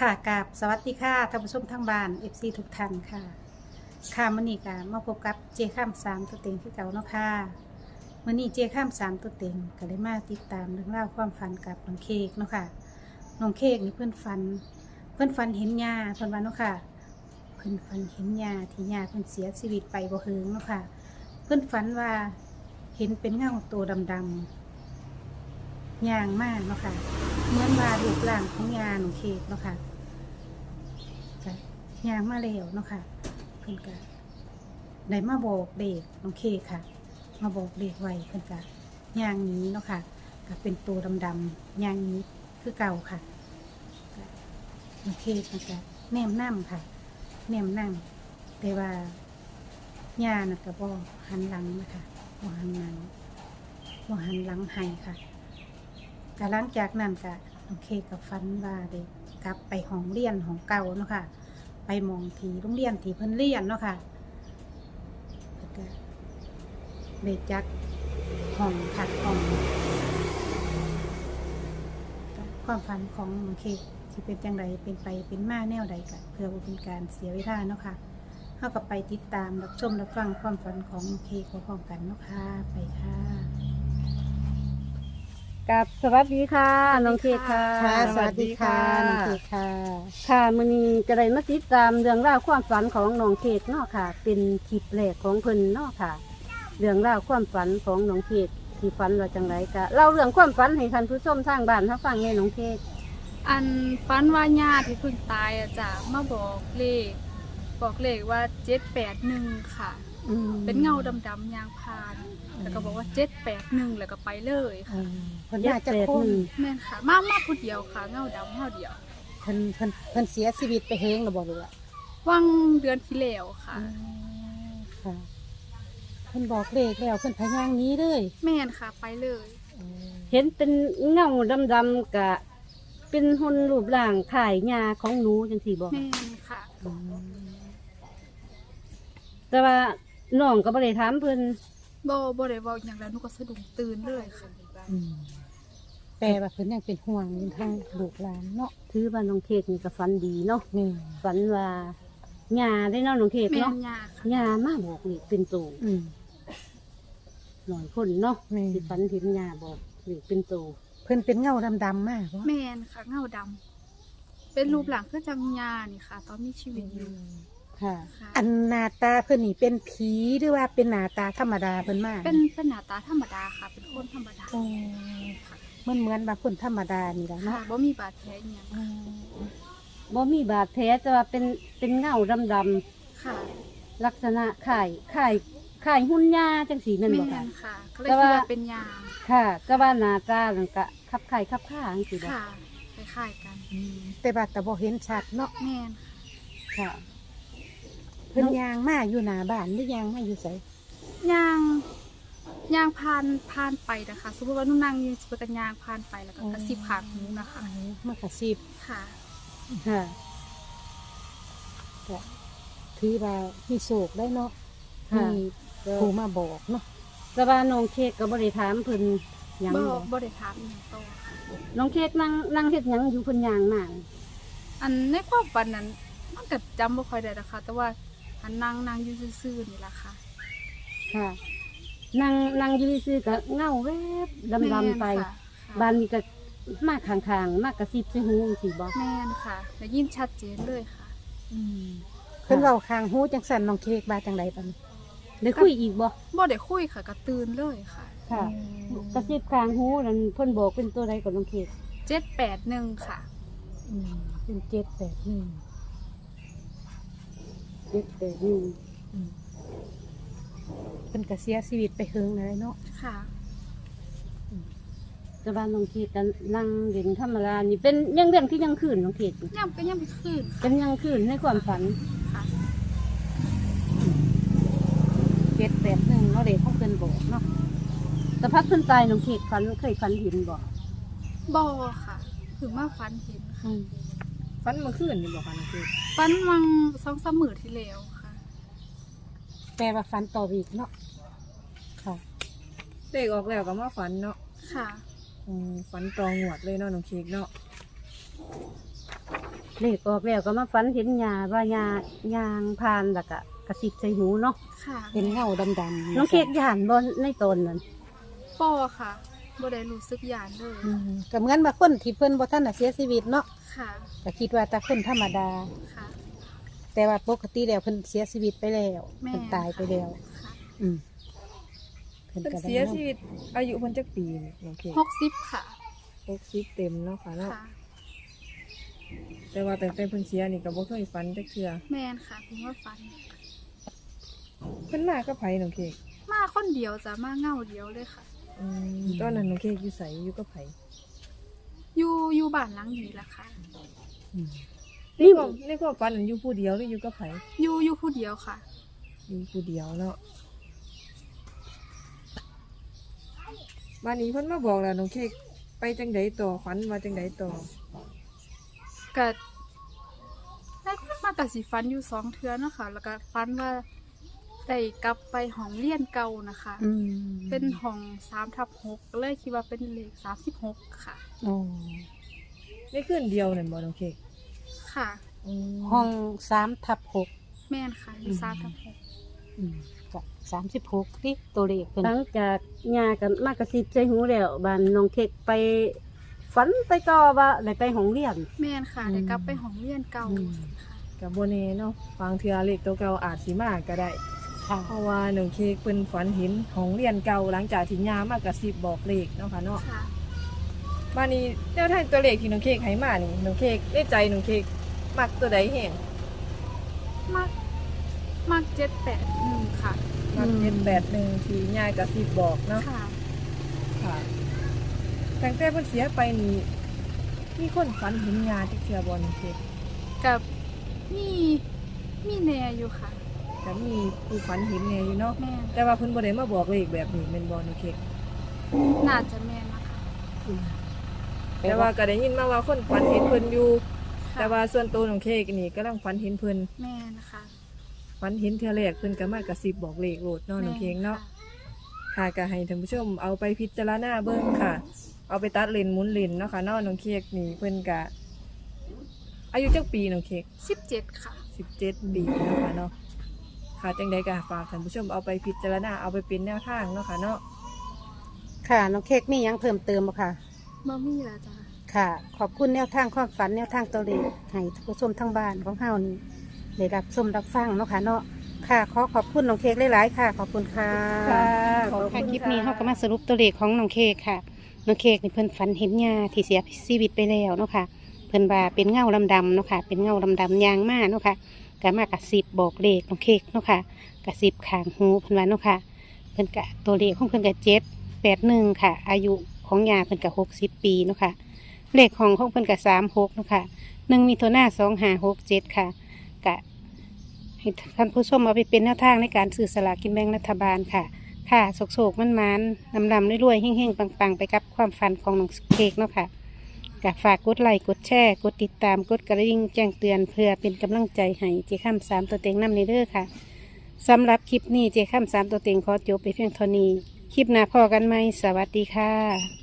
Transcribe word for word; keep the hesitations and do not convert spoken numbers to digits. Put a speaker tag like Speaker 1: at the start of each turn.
Speaker 1: ค่ะกับสวัสดีค่ะท่านผู้ชมทางบ้าน เอฟ ซี ทุกท่านค่ะค่ะมื้อนี้ก็มาพบกับเจข้ามสามตัวเต็งคือเก่าเนาะค่ะมื้อนี้เจข้ามสามตัวเต็งก็เลยมาติดตามเรื่องราวความฝันกับน้องเค้กเนาะค่ะน้องเค้กนี่เพื่อนฝัน เพื่อนฝันเห็นยาเพื่อนว่าเนาะค่ะเพื่อนฝันเห็นยาที่ยาเพื่อนเสียชีวิตไปบ่เฮิงเนาะค่ะเพื่อนฝันว่าเห็นเป็นเงาตัวดำๆย่างมากเนาะค่ะเหมือนว่ารูปร่างของยาน้องเค้กเนาะค่ะ ก็ย่างมาแล้วเนาะค่ะเพิ่นก็ได้มาบอกเด็กน้องเคค่ะ มาบอกเด็กไว้เพิ่นก็ย่างนี้เนาะค่ะก็เป็นตัวดำๆย่างนี้คือเก่าค่ะก็น้องเคเพิ่นก็แนมนั่ค่ะแนมนั่งแต่ว่าย่าน่ะก็บ่หันหลังนะคะบ่หันหลังบ่หันหลังให้ค่ะก็หลังจากนั้นก็น้องเคก็ฝันว่าเด็กกลับไปห้องเรียนของเก่าเนาะค่ะไปมองทีโรงเรียนที่เพิ่นเรียนเนาะค่ะแล้วก็ได้จัดห้องพักห้องความฝันของน้องเคสิเป็นจังไดเป็นไปเป็นมาแนวใดก็เพื่อบ่เป็นการเสียเวลาเนาะค่ะเฮาก็ไปติดตามรับชมรับฟังความฝันของน้องเคพร้อมๆกันเนาะค่ะไปค่ะ
Speaker 2: กับสวัสดีค่ะน้องเค้กค่ะ
Speaker 1: ค่ะสวัสดีค่ะน้องเคค่ะ
Speaker 2: ค่ะมื้อนี้จะได้มาติดตามเรื่องราวความฝันของน้องเค้กเนาะค่ะ เป็นคลิปแรกของเพิ่นเนาะค่ะ เรื่องราวความฝันของน้องเค้กที่ฝันว่าจังไรก็เล่าเรื่องความฝันให้ท่านผู้ชมทางบ้านเขาฟังแน่น้องเค้ก
Speaker 3: อันฟันว่าญาติที่เพิ่งตายอะจ้ะมาบอกเลข บอกเลขว่าเจ็ดแปดหนึ่งค่ะ
Speaker 1: อืม
Speaker 3: เป็นเงาดำๆยางพาน แล้วก็บอกว่าเจ็ดแปดหนึ่งแล้วก็ไปเลย
Speaker 1: เอ
Speaker 3: ค่ะ
Speaker 1: อเพิ่นน่าจะคง
Speaker 3: แม่นค่ะ มามาผู้เดียวค่ะ เงาดำเงาเดียว
Speaker 1: เพิ่นเพิ่นเพิ่นเสียชีวิตไปเฮงหรือบ่รู้อะ
Speaker 3: วังเดือนที่แล้วค่ะ
Speaker 1: ค่ะเพิ่นบอกเลขแล้วเพิ่นพยางหนี้เลย
Speaker 3: แม่นค่ะไปเลย
Speaker 2: เห็นเป็นเงาดำๆกะเป็นหุ่นรูปร่างขายยาของหนูจังสี่บอก
Speaker 3: แม่นค่ะ
Speaker 2: แต่ว่าน้องก็บ่ได้ถามเพิ่น
Speaker 3: บ่บ่ได้เว้าอย่างแล้วหนูก็สะดุ้งตื่นเลยค่ะ
Speaker 1: อืมแปลว่าเพิ่นยังเป็นห่วงอยู่ทางลูกหลานเนาะ
Speaker 2: ถือว่าน้องเค้กนี่ก็ฝันดีเนาะ
Speaker 1: นี่
Speaker 2: ฝันว่ายาได้เนาะน้องเค้ก
Speaker 3: แม่
Speaker 2: เนาะ
Speaker 3: นยาค่ะ
Speaker 2: ยามาบอกนี่เป็นตู
Speaker 1: อืม
Speaker 2: หน่อยคนเนาะ
Speaker 1: แม่
Speaker 2: สิฝันเห็นยาบอกนี่เป็นตู
Speaker 1: เพิ่นเป็นเงาดำๆมากบ่
Speaker 3: แม่นค่ะ เงาดำเป็นรูปหลังคือจังยานี่ค่ะ ตอนมีชีวิตอยู่
Speaker 1: ค่ะ
Speaker 3: ค่ะ
Speaker 1: อันหน้าตาเพิ่นนี่เป็นผีหรือว่าเป็นหน้าตาธรรมดาเพิ่นมาก
Speaker 3: เป็นเป็นหน้าตาธรรมดาค่ะ เป็นคนธรรมดา
Speaker 1: โอ้มันเหมือนว่าคนธรรมดานี่แหละ
Speaker 3: ค่ะ
Speaker 1: เนาะ
Speaker 3: บ่มีบาดแผลอหย่าง
Speaker 1: อืม
Speaker 2: บ่มีบาดแผลแต่ว่าเป็นเป็นเงาดำ
Speaker 3: ค่ะ
Speaker 2: ๆลักษณะคล้ายคล้ายคล้ายหุ่นยาจังสีแม่น
Speaker 3: แม่
Speaker 2: บ่ค่ะ
Speaker 3: นค่ะก็เลย
Speaker 2: แต่
Speaker 3: คิด
Speaker 2: ว่า
Speaker 3: ว่าเป็นยา
Speaker 2: ค่ะแต่ว่าหน้าตานั่นก็คับไข่คับข้าจังซี่บ่
Speaker 3: ค่ะคล้ายๆกัน
Speaker 1: แต่ว่าแต่บ่เห็นชัดเนาะ
Speaker 3: แม่น
Speaker 2: ค่ะ
Speaker 1: เพิ่นยางมาอยู่หน้าบ้านหรือยางมาอยู่ไส
Speaker 3: ยางยางพานพานไปนะคะ สมมติว่าหนุ่นนั่งอยืนสิบกันยางพานไปแล้วก็กระซิบขางหูนะคะ
Speaker 1: มากระซิบ
Speaker 3: ค่ะ
Speaker 2: ค่ะ
Speaker 1: ก็ถือว่ามีโศกได้เนาะ
Speaker 2: ค่ะ
Speaker 1: มีผู้มาบอกเนาะ
Speaker 2: แต่ว่าน้องเค้กก็บ่ได้ถามเพิ่นหยัง
Speaker 3: บ่
Speaker 2: บ่
Speaker 3: บ่ได้ถามอหย่างโตค่ะ
Speaker 2: น้องเค้กนั่งนั่งเฮ็ดหยังอยู่เพิ่นย่างมา
Speaker 3: อันในความฝันนั้นมันก็จำบ่ค่อยได้นะคะ แต่ว่าอันนั่งนั่งอยู่ซื่อๆนี่แหละค่ะ
Speaker 2: ค่ะ นั่งนั่งอยู่ซื่อๆก็เงาแวบดำๆไป
Speaker 3: แม่นค่ะ
Speaker 2: บ้านนี้ก็มาข้างๆมากระซิบใส่หูจังซี่บ่
Speaker 3: แม่นค่ะได้ยินชัดเจนเลยค่ะ
Speaker 1: เพิ่นเว้าข้างหูจังสั่นน้องเค้กบาจังไดปานนี้
Speaker 2: ได้คุยอีกบ่
Speaker 3: บ่ได้คุยค่ะก็ตื่นเลยค่ะ
Speaker 2: ค่ะ กระซิบข้างหูนั่นเพิ่นบอกเป็นตัวใดก่อนน้องเค้ก
Speaker 3: เจ็ดแปดหนึ่งค่ะ
Speaker 1: อืมเป็นเจ็ดแปดหนึ่ง
Speaker 2: เจ็ดแปดหนึ่ง
Speaker 1: อืมเพิ่นก็เสียชีวิตไปเฮิงเลยเนาะ
Speaker 3: ค่ะ
Speaker 2: แต่ว่าน้องเค้กก็นั่งเล่นธรรมดานี่เป็นยังเรื่องที่ยังคืนน้องเค้ก
Speaker 3: ย่ำก็ย่ำไปคืน
Speaker 2: เป็นยังคืนในความฝัน
Speaker 3: ค่ะ
Speaker 1: เจ็ดแปดหนึ่งเนาะเด็กของเพิ่นบอกเนาะ
Speaker 2: แต่พักเพิ่นตายน้องเค้กฝันเคยฝันเห็นบ่
Speaker 3: บ่ค่ะถึงมาฟันเห็นค่ะ
Speaker 4: ฟันเมื่อคืนนี่บอกค่ะน้องคือ
Speaker 3: ฟันวังสองสามมื้อที่แล้วค่ะ
Speaker 1: แปลว่าฟันต่ออีกเนาะค่ะ
Speaker 4: เลขออกแล้วก็มาฝันเนาะ
Speaker 3: ค่ะ
Speaker 4: อืมฝันตองหวดเลยเนาะน้องเค้กเนาะ
Speaker 1: ม
Speaker 2: เลขออกแล้วก็มาฝันเห็นยาว่ายายางพานแล้วก็กระสิบใส่หูเนาะ
Speaker 3: ค่ะ
Speaker 1: เป็นเงาดำๆ
Speaker 2: น้องเค้กย่านบ่ในตนนั้น
Speaker 3: ป้อค่ะบ่ได้รู้สึกหยานเลย
Speaker 1: อืมก็เหมือนว่าคนที่เพิ่นบ่ทันน่ะเสียชีวิตเนาะ
Speaker 3: ค่ะ
Speaker 1: ก็คิดว่าแต่คนธรรมดา
Speaker 3: ค่ะ
Speaker 1: แต่ว่าปกติแล้วเพิ่นเสียชีวิตไปแล้ว
Speaker 3: แม่
Speaker 1: เพิ่นตายไปแล้ว
Speaker 3: ค่ะ
Speaker 1: อืมเพิ่น
Speaker 4: เพิ่น
Speaker 1: ก็ได้
Speaker 4: เสียชีวิตอายุเพิ่นจักปีนี่น้องเค้ก
Speaker 3: หกสิบค่ะ
Speaker 4: หกสิบเต็มเนาะค่ะเนาะ
Speaker 3: ค่ะ
Speaker 4: แต่ว่าแต่แต่เพิ่นเสียนี่ก็บ่เคยฝันจักเทื่อ
Speaker 3: แม่นค่ะเพิ่งว่าฝัน
Speaker 4: เพิ่นมากับไผน้องเค้ก
Speaker 3: มาคนเดียวจ้ะมาเงาเดียวเลยค่ะ
Speaker 4: อืมตอนนั้นน้องเค้กอยู่ไสอยู่กับไผ
Speaker 3: อยู่อยู่บ้านหลังนี้แหละค่ะ
Speaker 1: อืม
Speaker 4: ในความในความฝันนั้นอยู่ผู้เดียวหรืออยู่กับไผ
Speaker 3: อยู่อยู่ผู้เดียวค่ะ
Speaker 4: อยู่ผู้เดียวเนาะบ้านนี้เพิ่นมาบอกแล้วน้องเค้กไปจังไดต่อฝันว่าจังไดต่อ
Speaker 3: ก็ได้มากกับสีฟันอยู่สองเทือเนาะค่ะ แล้วก็ฟันว่าได้กลับไปห้องเรียนเก่านะคะ
Speaker 1: อืม
Speaker 3: เป็นห้องสามทับหกเลยคิดว่าเป็นเลขสามสิบหกค่ะ
Speaker 1: โอ้
Speaker 4: ในคืนเดียวนั่นบ่น้องเค้ก
Speaker 3: ค่ะ
Speaker 4: อืม
Speaker 1: ห้องสามทับหก
Speaker 3: แม่นค่ะอยู่สามทับหก
Speaker 1: อืมก็สามสิบหกที่ตัวเลขเพิ่น
Speaker 2: หลังจากยากันมากระสิบใส่หูแล้วบ้านน้องเค้กไปฝันไปต่อว่าได้ไปโรงเรียน
Speaker 3: แม่นค่ะได้กลับไปห้องเรียนเก่าค่ะ
Speaker 4: กับโบเน่เนาะฟังเทือเล็กตัวเก่าอาจสิมาก็ได้
Speaker 1: ค่ะ
Speaker 4: เพราะว่าหนึ่งเค้กเป็นฝันเห็นของเรียนเก่าหลังจากที่ยามากระซิบบอกเลขเนาะค่ะเนาะ
Speaker 3: ค่ะ
Speaker 4: บ้านนี้แนวทางตัวเลขที่น้องเค้กให้มานี่น้องเค้กในใจน้องเค้กมักตัวใดแห่ง
Speaker 3: มากมากเจ็ดแปดหนึ่งค่ะ
Speaker 4: มักเจ็ดแปดหนึ่งที่ยายกระซิบบอกเนาะ
Speaker 3: ค่ะ
Speaker 4: ค่ะตั้งแต่เพิ่นเสียไปนี่มีคนฝันเห็นยาที่เทือบอลเค้ก
Speaker 3: กับมีมีแนอยู่ค่ะ
Speaker 4: แต่มีผู้ฝันเห็นแน่อยู่เนาะ
Speaker 3: แม่น
Speaker 4: แต่ว่าเพิ่นบ่ได้มาบอกเลขแบบนี้แม่นบ่น้องเค้ก
Speaker 3: น่าจะแม่นนะคะ
Speaker 4: แต่ว่าก็ได้ยินมาว่าคนฝันเห็นเพิ่นอยู่
Speaker 3: ค่ะ
Speaker 4: แต่ว่าส่วนตัวของเค้กนี่กำลังฝันเห็นเพิ่น
Speaker 3: แม่นะคะ
Speaker 4: ฝันเห็นเทื่อแรกเพิ่นก็มากระซิบบอกเลขโลดเนาะน้องเค้กเนาะค่ะก็ให้ท่านผู้ชมเอาไปพิจารณาเบิ่งค่ะ เอาไปตัดเลนหมุนเลนเนาะค่ะเนาะน้องเค้กนี่เพิ่นก็อายุจักปีน้องเค้ก
Speaker 3: สิบเจ็ดค่ะ
Speaker 4: สิบเจ็ดปีเนาะค่ะเนาะค่ะจังใดก็ฝากท่านผู้ชมเอาไปพิจารณาเอาไปเป็นแนวทางเนาะค่ะเนาะ
Speaker 1: ค่ะน้องเค้กมีหยังเพิ่มเติมบ่ค่ะ
Speaker 3: บ่มีแล้วจ้ะ
Speaker 1: ค่ะ ขอบคุณแนวทางความฝันแนวทางตัวเลขให้ท่านผู้ชมทั้งบ้านของเฮานี่ได้รับชมรับฟังเนาะค่ะเนาะค่ะขอขอบคุณน้องเค้กหลายๆค่ะ ขอบคุณค่ะ
Speaker 2: ค่ะ
Speaker 4: ขอบ
Speaker 1: ค่ะ
Speaker 4: ณ
Speaker 1: คลิปนี้เฮาก็มาสรุปตัวเลขของน้องเค้กค่ะน้องเค้กนี่เพิ่นฝันเห็นยาที่เสียชีวิตไปแล้วเนาะค่ะเพิ่นว่าเป็นเงาดำๆเนาะค่ะเป็นเงาดำๆยางมาเนาะค่ะก็มากระซิบบอกเลขน้องเค้กเนาะค่ะกระซิบข้างหูเพิ่นว่าเนาะค่ะเพิ่นกะตัวเลขของเพิ่นกะเจ็ดแปดหนึ่งค่ะ อายุของยาเพิ่นกะหกสิบปีเนาะค่ะเลขของของเพิ่นกะสามหกเนาะค่ะหนึ่งมีตัวหน้าสองห้าหกเจ็ดค่ะกะให้ท่านผู้ชมเอาไปเป็นแนวทางในการซื้อสลากกินแบ่งรัฐบาลค่ะ ค่ะโศกๆมันมันๆลำลำๆรวยๆเฮ่งๆปังๆ ไปกับความฝันของน้องเค้กเนาะค่ะกฝากกดไลค์กดแชร์กดติดตามกดกระดิ่งแจ้งเตือนเพื่อเป็นกำลังใจให้เจ้าข้ามสามตัวเต็งนำในเด้อค่ะสำหรับคลิปนี้เจ้าข้ามสามตัวเต็งขอจบไปเพียงเท่านี้ คลิปหน้าพอกันไหมสวัสดีค่ะ